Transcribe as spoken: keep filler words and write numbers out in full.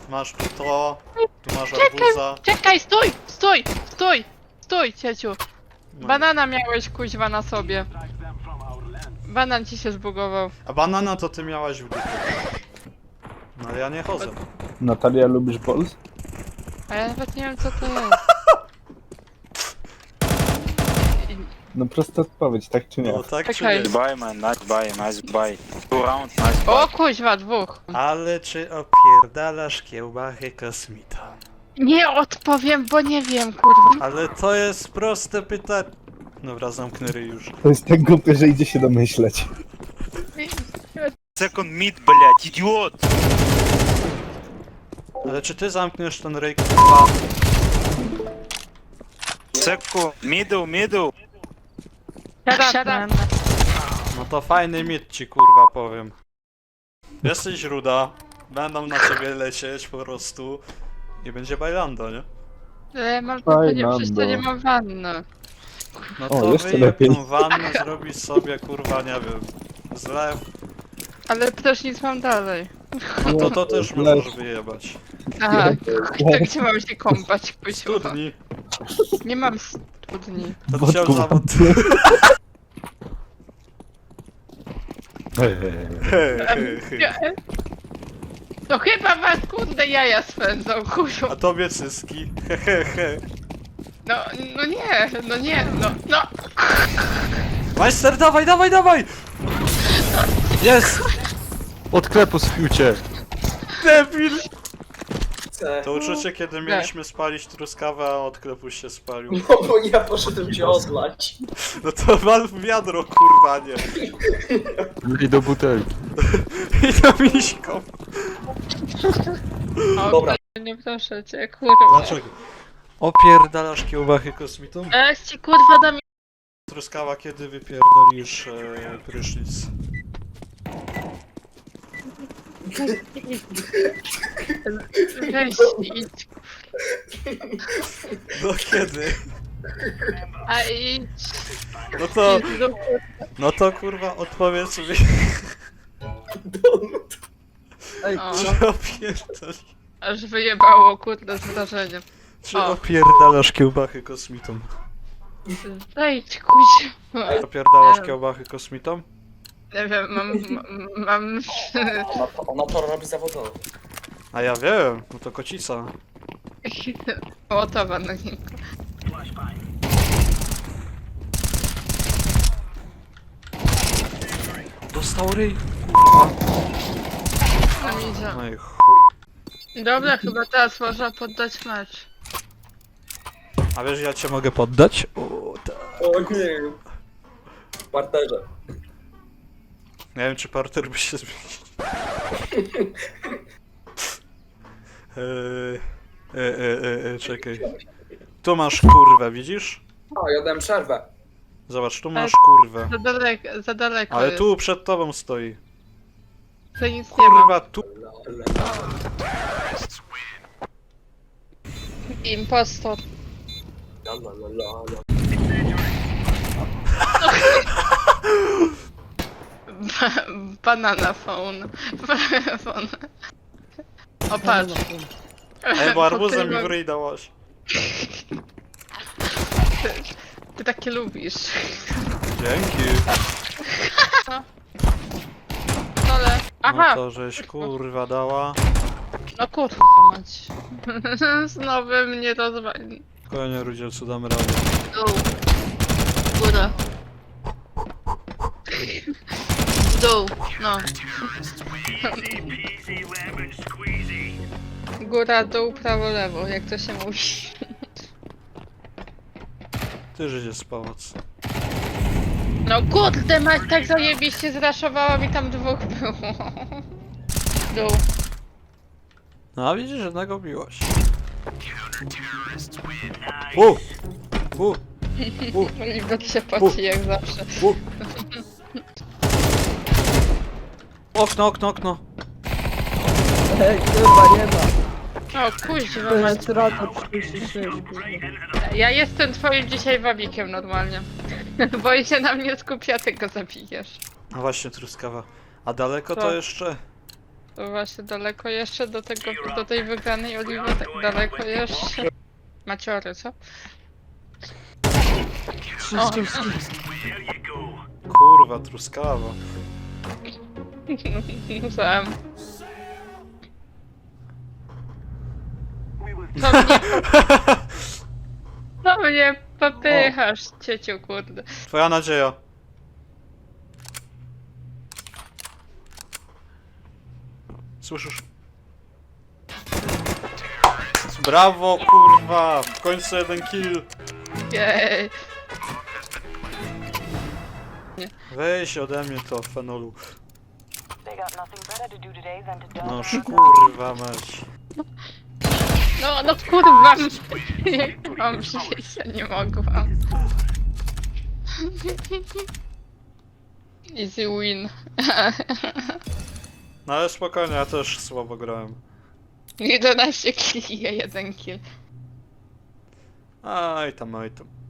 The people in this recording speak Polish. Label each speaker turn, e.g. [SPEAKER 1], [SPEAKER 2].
[SPEAKER 1] masz tu to, tu masz arbuza.
[SPEAKER 2] Czekaj, stój, stój, stój, stój, cieciu.
[SPEAKER 1] No.
[SPEAKER 2] Banana miałeś kuźwa na sobie. Banan ci się zbugował.
[SPEAKER 1] A banana to ty miałaś w dupie. No ale ja nie chodzę.
[SPEAKER 3] Natalia, lubisz Bols?
[SPEAKER 2] A ja nawet nie wiem co to jest.
[SPEAKER 3] No prosta odpowiedź, tak czy nie?
[SPEAKER 1] No tak czy
[SPEAKER 2] Czekaj.
[SPEAKER 1] nie?
[SPEAKER 4] Buy man, nice buy, nice buy. Two round, nice buy.
[SPEAKER 2] O kuźwa, dwóch.
[SPEAKER 1] Ale czy opierdalasz kiełbachy kosmita?
[SPEAKER 2] Nie odpowiem, bo nie wiem, kurwa.
[SPEAKER 1] Ale to jest proste pytanie. Dobra, zamknę ryj już.
[SPEAKER 3] To jest tak głupie, że idzie się domyśleć.
[SPEAKER 4] Second mid, блядь, idiot!
[SPEAKER 1] Ale czy ty zamkniesz ten ryj, kurwa?
[SPEAKER 4] Second, middle, middle.
[SPEAKER 2] Siadam.
[SPEAKER 1] No to fajny mit ci, kurwa, powiem. Jesteś ruda, będą na ciebie lecieć po prostu i będzie bajlando, nie?
[SPEAKER 2] Ale mam to nie,
[SPEAKER 3] Fajna,
[SPEAKER 2] przecież to nie
[SPEAKER 3] bo-
[SPEAKER 2] mam wanny.
[SPEAKER 1] No
[SPEAKER 3] O,
[SPEAKER 1] to
[SPEAKER 3] jeszcze
[SPEAKER 1] wyjeb
[SPEAKER 3] lepiej.
[SPEAKER 1] tą wannę, zrobisz sobie, kurwa, nie wiem, zlew.
[SPEAKER 2] Ale też nic mam dalej.
[SPEAKER 1] No to to też możesz wyjebać.
[SPEAKER 2] Aha, to gdzie mam się kąpać, kuźwa?
[SPEAKER 1] Studni.
[SPEAKER 2] Nie mam studni.
[SPEAKER 1] To chciał
[SPEAKER 3] Wodku.
[SPEAKER 1] zawód.
[SPEAKER 2] To chyba was kurde jaja swędzą, kurwa.
[SPEAKER 1] A tobie cyski. Hehehe.
[SPEAKER 2] No, no nie, no nie, no, no.
[SPEAKER 1] Majster, dawaj, dawaj, dawaj! Jest!
[SPEAKER 5] Od klepu spiłcie.
[SPEAKER 1] Debil!
[SPEAKER 6] Chcę.
[SPEAKER 1] To uczucie, kiedy mieliśmy spalić truskawę, a odklepuś się spalił.
[SPEAKER 6] No bo ja poszedłem cię odlać.
[SPEAKER 1] No to wal w wiadro, kurwa, nie.
[SPEAKER 5] I do butelki.
[SPEAKER 1] I to miśką.
[SPEAKER 2] O,
[SPEAKER 6] Dobra.
[SPEAKER 2] nie proszę cię, kurwa.
[SPEAKER 1] Dlaczego? Opierdalasz kiełbachy kosmitą?
[SPEAKER 2] Jak ci kurwa dam...
[SPEAKER 1] Truskawa, kiedy wypierdolisz e, prysznic?
[SPEAKER 2] Weź idź.
[SPEAKER 1] No kiedy?
[SPEAKER 2] A idź.
[SPEAKER 1] No to,
[SPEAKER 2] Idź do-
[SPEAKER 1] no to kurwa odpowiedz mi,
[SPEAKER 2] O,
[SPEAKER 1] czy opierdalasz,
[SPEAKER 2] aż wyjebało kurde zdarzenie.
[SPEAKER 1] czy
[SPEAKER 2] O.
[SPEAKER 1] opierdalasz kiełbachy kosmitą?
[SPEAKER 2] Wejdź kuźwa.
[SPEAKER 1] Opierdalasz
[SPEAKER 2] Nie.
[SPEAKER 1] kiełbachy kosmitą?
[SPEAKER 2] Nie wiem, mam... mam...
[SPEAKER 6] Ona to, ona to robi zawodowo.
[SPEAKER 1] A ja wiem, no to kocica.
[SPEAKER 2] Łotowa na nim.
[SPEAKER 1] Dostał ryj.
[SPEAKER 2] No idzie.
[SPEAKER 1] No i chuj.
[SPEAKER 2] Dobra, chyba teraz można poddać mecz.
[SPEAKER 1] A wiesz, ja cię mogę poddać? O, tak.
[SPEAKER 6] O nie. W parterze.
[SPEAKER 1] Nie wiem, czy parter by się zmienił. Eee, e, e, e, e, czekaj. Tu masz kurwę, widzisz?
[SPEAKER 6] A, ja dałem przerwę.
[SPEAKER 1] Zobacz, tu masz kurwę.
[SPEAKER 2] Za daleko, za daleko
[SPEAKER 1] Ale
[SPEAKER 2] jest.
[SPEAKER 1] tu przed tobą stoi.
[SPEAKER 2] To nic nie ma.
[SPEAKER 1] Kurwa, tu.
[SPEAKER 2] Impostor.
[SPEAKER 6] La, la, la, la, la.
[SPEAKER 2] Ba banana phone. phone. O patrz.
[SPEAKER 1] Ej, bo arbuzem mi
[SPEAKER 2] Ty-
[SPEAKER 1] w ryj dałaś.
[SPEAKER 2] Ty, ty takie lubisz.
[SPEAKER 1] Dzięki.
[SPEAKER 2] Dole.
[SPEAKER 1] No
[SPEAKER 2] Aha!
[SPEAKER 1] to żeś kurwa dała.
[SPEAKER 2] No kurwa mać. Znowu mnie rozwali.
[SPEAKER 1] Spokojnie, Rudzielcu, damy radę.
[SPEAKER 2] Dół. Góra. Dół. No. Góra, dół, prawo, lewo, jak to się mówi.
[SPEAKER 1] Ty życie z pałac.
[SPEAKER 2] No kurde mać, tak zajebiście zraszowała mi tam dwóch było. Dół.
[SPEAKER 1] No a widzisz, jednego biłaś. U! U! U!
[SPEAKER 2] Libet się poci jak zawsze.
[SPEAKER 1] U! Okno, okno, okno.
[SPEAKER 7] Ej, kurwa, nie ma.
[SPEAKER 2] O kuźwa
[SPEAKER 7] To
[SPEAKER 2] mać.
[SPEAKER 7] jest rata trzydzieści sześć, kurwa.
[SPEAKER 2] Ja jestem twoim dzisiaj wabikiem normalnie. Bo i się na mnie skupia, ty go zabijesz.
[SPEAKER 1] A właśnie, truskawa. A daleko
[SPEAKER 2] Co?
[SPEAKER 1] to jeszcze?
[SPEAKER 2] To właśnie daleko jeszcze do tego, do tej wygranej Oliwy, tak daleko jeszcze. Maciory, co? O,
[SPEAKER 1] Kurwa, truskawa.
[SPEAKER 2] Sam. To mnie, to mnie popychasz, cieciu, kurde.
[SPEAKER 1] Twoja nadzieja. Słyszysz? Brawo, kurwa! W końcu jeden kill.
[SPEAKER 2] Jej.
[SPEAKER 1] Weź ode mnie to, fenolu.
[SPEAKER 8] They got nothing better to do today than to dump
[SPEAKER 1] No
[SPEAKER 8] their
[SPEAKER 1] kurwa mać.
[SPEAKER 2] No, no kurwa, jak mam żyć, ja nie mogłam. Easy win.
[SPEAKER 1] No ale spokojnie, ja też słabo grałem.
[SPEAKER 2] jedenaście killi, jeden kill.
[SPEAKER 1] Aj tam, aj tam.